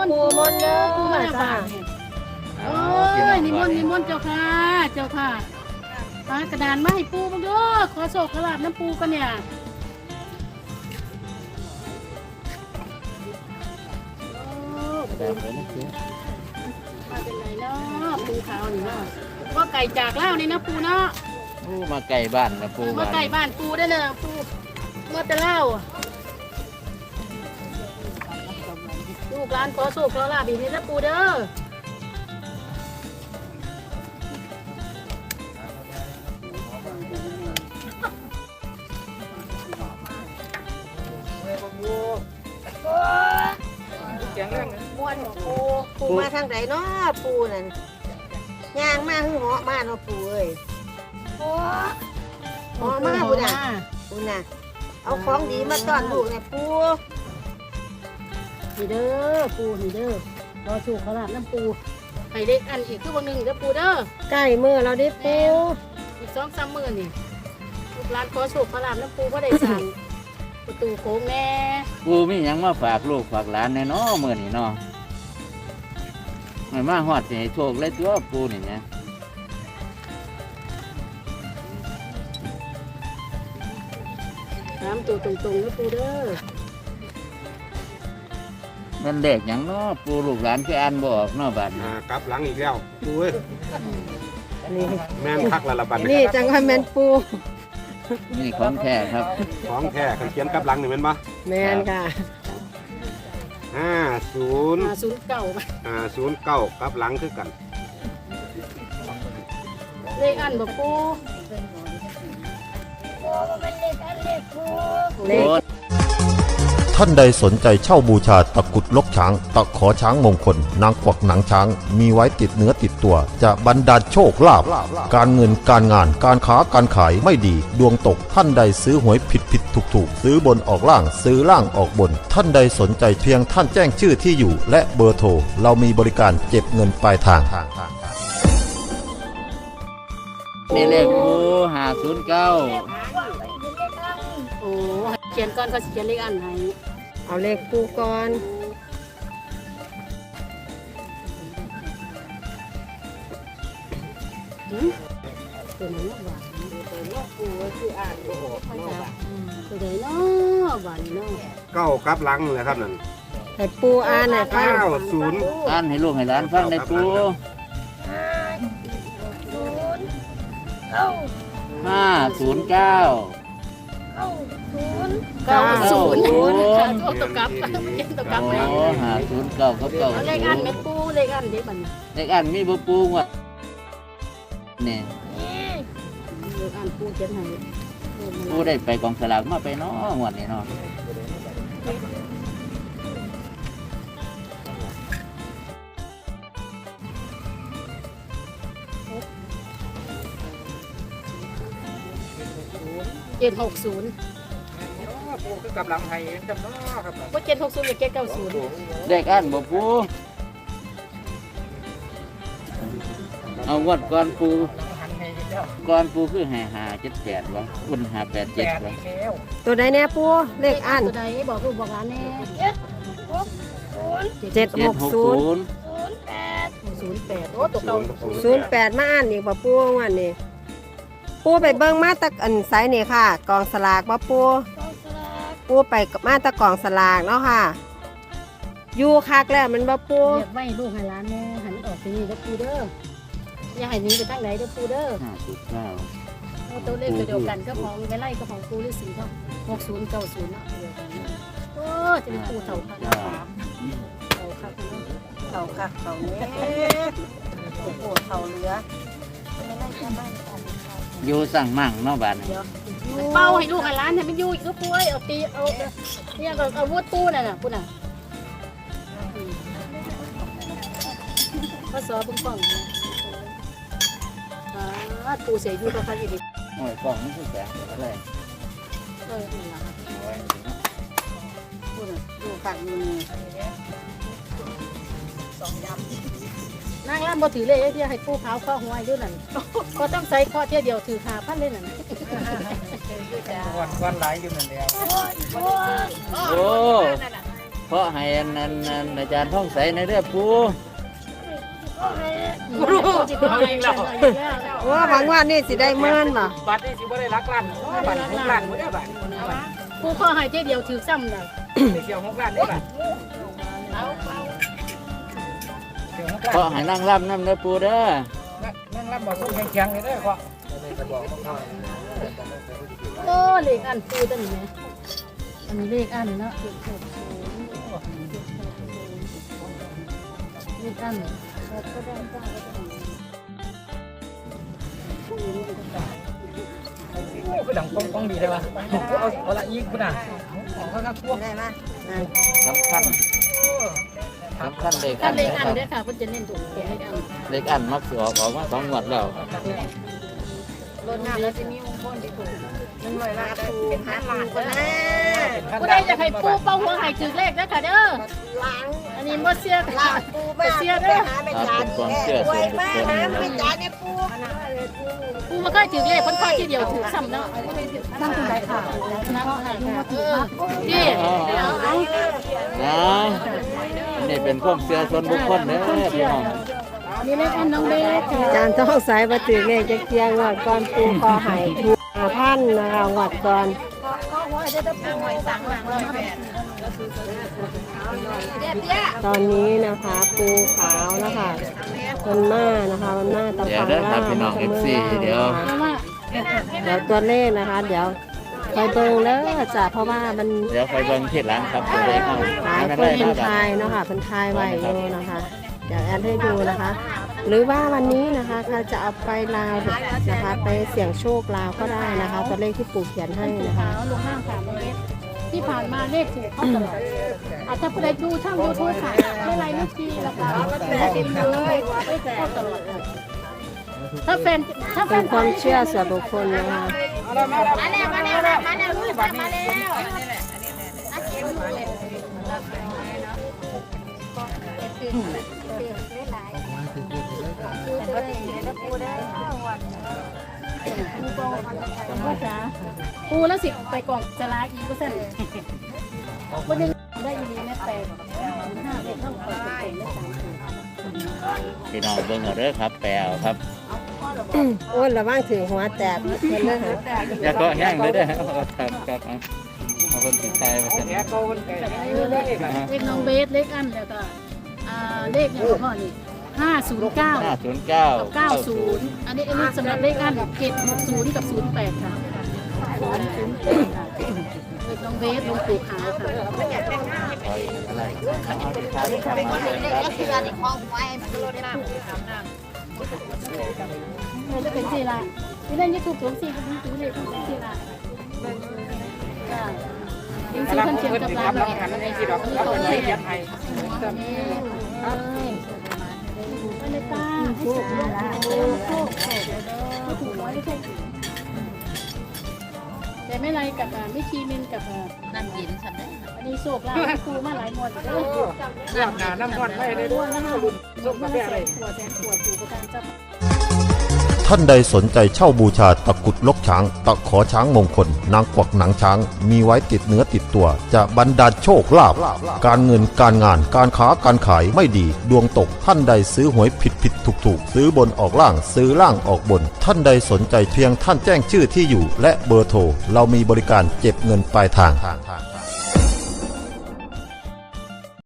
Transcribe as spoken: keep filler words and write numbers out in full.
ต์ปูมนต์เด้อปูมาบ้านโอ้ยนิมนต์นิมนต์เจ้าค่ะเจ้าค่ะปากระดานมาให้ปูมาด้วยขอโศกขอลาบน้ำปูกันเนี่ยมาเป็นไรเนาะปูขาวนี่เนาะว่าไก่จากเล่านี่นะปูเนาะปูมาไก่บ้านนะปูมาไก่บ้านปูได้เลยปูมาแต่เล่าลูกร้านขอโศกขอลาบอีกนี่นะปูเด้อม้วนปูปูมาทางไหนเนาะปูนั่นย่างมาหึ่งเหาะมาเนาะปูเอ้ยเหาะมาปูน่ะปูน่ะเอาของดีมาต้อนลูกเนี่ยปูนี่เด้อปูนี่เด้อรอชูขลาดน้ำปูให้เด็กอันอีกคือวันหนึ่งเด้อปูเด้อใกล้มือเราดิปูอีกสองสามหมื่นนี่ลูกหลานขอชูขลาดน้ำปูก็ได้สั่งประตูโค้งแน่ปูมีหยังมาฝากลูกฝากหลานแน่เนาะมื้อนี้เนาะไม่มาฮอดสิให้โชคเลยตัวปูนี่นะน้ำตัวตรงๆนะปูเด้อมันเด็กหยังเนาะปูลูกหลานคืออ่านบ่ออกเนาะบัดนี้อ่ากลับหลังอีกแล้วปูเอ้ยนี่แม่นคักละละบัดนี่จังว่าแม่นปูนี่ของแท้ครับของแท้คันเขียนกลับหลังนี่แม่นบ่แม่นค่ะห้าศูนย์มาศูนย์เก่าไปอ่าศูนย์เก้ากลับหลังคือกันเลขอันบ่ปูเลขท่านใดสนใจเช่าบูชาตะกรุดลกช้าง ตะขอช้างมงคล นางกวักหนังช้าง มีไว้ติดเนื้อติดตัว จะบรรดาลโชคลาภการเงินการงานการค้าการขายไม่ดี ดวงตกท่านใดซื้อหวยผิดผิดถูกถูกซื้อบนออกล่างซื้อล่างออกบน ท่านใดสนใจเพียงท่านแจ้งชื่อที่อยู่ และเบอร์โทรเรามีบริการเก็บเงินปลายทางนี่เลขปูห้าศูนย์เก้าโอ้เขียนก่อนเขาสิเขียนเลขอันให้เอาเลขปูก่อนหืมตัวนั้นหวานตัวนี้ปูคืออ่านบ่ออกเนาะตัวใดเนาะหวานเนาะเก้ากลับหลังเลยครับนั่นให้ปูอ่านหน่อยค่ะเก้าศูนย์อ่านให้ลูกให้หลานฟังได้ปูห้าศูนย์เก้าเก้าศูนย์เก้าศูนย์ค่ะตัวตกกลับเขียนตกกลับโอ้เลยห้าศูนย์เก้ากับเก้าเอาศูเลขอันนย์เป็นปูเลขอันเด็กบัดนี้เลขอันมีบ่ปูงวดนี่เลขอันปูเขียนให้ปูได้ไปกองสลากมาไปเนาะงวดนี้เนาะเจ็ดหกศูนย์ปูคือกลับหลังให้จำเนาะครับว่าเจ็ดหกศูนย์หรือเจ็ดเก้าศูนย์เลขอันบ่ปูเอางวดก่อนปูก่อนปูคือห้าห้าเจ็ดแปดวะคุณห้าแปดเจ็ดวะตัวใดแน่ปูเลขอ่านตัวใดบอกลูกบอกหลานแน่เจ็ดเจ็หดกหกศูศูนย์นย์ศูนย์แปดโอ้ตัวเก่าศูนย์แปดมาอ่านอีกบ่ปูวันนี้ปูไปเบิ่งมาตะอันไซนี่ค่ะ กองสลากบ่ปูปูไปมาตะกองสลากเนาะค่ะอยู่คักแล้วมันบ่ปูเรียกไม่ลูกให้หลานแน่หันออกไปนี่เด้อปูเด้ออย่าให้หนีไปทางไหนเด้อปูเด้อห้าสิบเก้าเอาตัวเลขตัวเดียวกันก็ของไปไล่ก็ของปูฤาษีเขาหกศูนย์เก้าศูนย์เนาะเดียวกันเนาะโอ้จะเป็นปูเต่าค่ะเนาะเต่าค่ะเนาะเต่าค่ะเต่าเนี้ยปูเต่าเหลืออยู่สั่งมั่งเนาะบ้านนี้เดี๋ยวมันเป้าให้ลูกให้หลานให้มันอยู่อีกก็ปูเอ้ยเอาตีเอาเนี่ยก็เอาวุ้ปูน่ะน่ะปูน่ะข้อสอบเบิ่งกล้องนะอ่าปูเสียอยู่ก็คันอีกโอ้ยกล่องนี่คือแสงอะไรเออนี่ล่ะโอ้ยปูน่ะดูฝั่งนี้นางร่ำบ่ถือเลยไอ้ที่ให้ปูขาวข้อหัวอยู่นั่นก็ต้องใส่ข้อเที่ยวเดียวถือขาพันเลยนั่นวันวันหลายอยู่นั่นแหละโอ้เพราะให้อันนั้นอันอาจารย์ท่องใสในเรื่องปูรู้ว่าหวังว่านี่สิได้เมินบ่บัตรนี่สิบ่ได้รักล้านบัตรหกล้านบ่ได้บัตรกูขอให้เจ๊เดียวถือซ้ำเลยเสียวหกล้านได้บัตรเสียวหกล้านเพราะให้นั่งร่ำน้ำเด้อปูเด้อนั่งรับบ่ส่งแข็งๆเลยเด้อพ่อโอ้เลขอันปูตัวนี้ไหมอันนี้เลขอันเนาะเลขหกศูนย์เลขอันก็ได้ก็ได้คือดังป้องๆดีได้ป่ะเอาเอาละอีกพุ่นน่ะของเขาครับพวกได้มาสำคัญสำคัญเลขกัอันนเลขนะอัคน รับด้วยค่ะเพิ่นจะเน้นถูกเลขอันเลขอันมักสิออกออกมาสองงวดแล้วรถน้ำแล้วจะมีมงคลที่ถูกมันหน่อยละเป็นห้าล้านก็นะกูได้จะให้ปูเป้าหัวให้ถือเลขนะค่ะเด้อล้างอันนี้บ่เสียล้างปูมาเสียเด้อหาไม่จานนี่แค่รวยมากนะไม่จานเนี่ยปูปูมาค่อยถือเลขเพิ่นค่อยทีเดียวถือซ้ำเนาะนั่งตรงไหนค่ะนั่งค่ะนี่เอาเอานะนี่เป็นความเชื่อส่วนบุคคลเด้อพี่น้องนี่เลขอันน้องเบสค่ะจานต้องสายมาถือเลขจะเคียงงวดก่อนปูคอหายถูกห้าพันนะคะงวดก่อนตอนนี้นะคะปูขาวนะคะมันหน้านะคะมันหน้าตะเดี๋ยวฟังเด้อหครัน้าบพี่น้องนะคะเอฟซีเดี๋ยวเพราะว่าเดี๋ยวตัวเลขนะคะ เดี๋ยวคอยเบิ่งเด้อจ้ะเพราะว่ามันเดี๋ยวไปเบิ่งที่ร้านครับตัวเลขเอาหลายไม่คเป็นนไรเป็นนะคทารับยเนาะค่ะเป็นทายไว้อยู่นะคะ เดี๋ยวแอดให้ดูนะคะ หรือว่าวันนี้นะคะใครจะเอาไปลาวนะคะ ไปเสี่ยงโชคลาวก็ได้นะคะ ตัวเลขที่ปู่เขียนให้นะคะขาวลงห้างสามเมตรที่ผ่านมาเลขถูกเข้าตลอดอาจจะไปดูช่างยูทูบค่ะไม่ไรไม่ทีแล้วค่ะแต่ติดเลยเข้าตลอดค่ะถ้าแฟนถ้าแฟเป็น นความเชื่อส่วนบุคคลนะคะเอาละมาแล้วมาแล้วมาแล้วมาแล้วลูกมาแล้วปูแล้วสิไปกล่องจะลาอีกเปอร์เซ็นต์วันนึงได้ยินแม่แปดห้าเลขเท่ากับเป็นเลขสามสิบพี่น้องเบิ่งเอาเด้อครับแปลเอาครับโอ้ยระวังถึงหัวแตกเพิ่นเลยค่ะอย่าเกาะแห้งเลยเด้อเอาครับครับเอาเอาคนติดใจมาเสร็จแกโกนแกเลขอ่ะเลขน้องเบสเลขอันแล้วก็อ่าเลขเนี่ยพ่อนี่ห้าศูนย์เก้าห้าศูนย์เก้ากับเก้าศูนย์อันนี้อันนี้สำหรับเลขอันเจ็ดหกศูนย์กับศูนย์แปดค่ะศูนย์แปดค่ะเลขน้องเบสลงปู่ขาวค่ะคอยอะไรเอาที่ขายที่ขายมาเลยครับเออจะเป็นสี่ละนี่เล่นยูทูบสวมสี่ก็เป็นสี่เลขเป็นสี่ละจ้ายังซื้อคนเชียงกับคร้ารันบเลรัยบหันให้สิดอกรับเป็นเลขยัดให้ไปเลยตาให้สุดละโอ้โหไม่ถูกร้อยไม่ใช่แต่ไม่ไรกับไม่คีมินกับนั่นยินฉันได้อันนี้โศกลาครูมาหลายหมดเลยเลือดหนาน้ำนวดไม่ได้ด้วยนะรุ่นส่งกาแฟอะไรขวดแสนขวดอยู่ประการจับท่านใดสนใจเช่าบูชาตะกรุดลกช้าง ตะขอช้างมงคล นางกวักหนังช้าง มีไว้ติดเนื้อติดตัว จะบรรดาลโชคลาภการเงินการงานการค้าการขายไม่ดี ดวงตกท่านใดซื้อหวยผิดผิดถูกถูกซื้อบนออกล่างซื้อล่างออกบน ท่านใดสนใจเพียงท่านแจ้งชื่อที่อยู่ และเบอร์โทรเรามีบริการเก็บเงินปลายทาง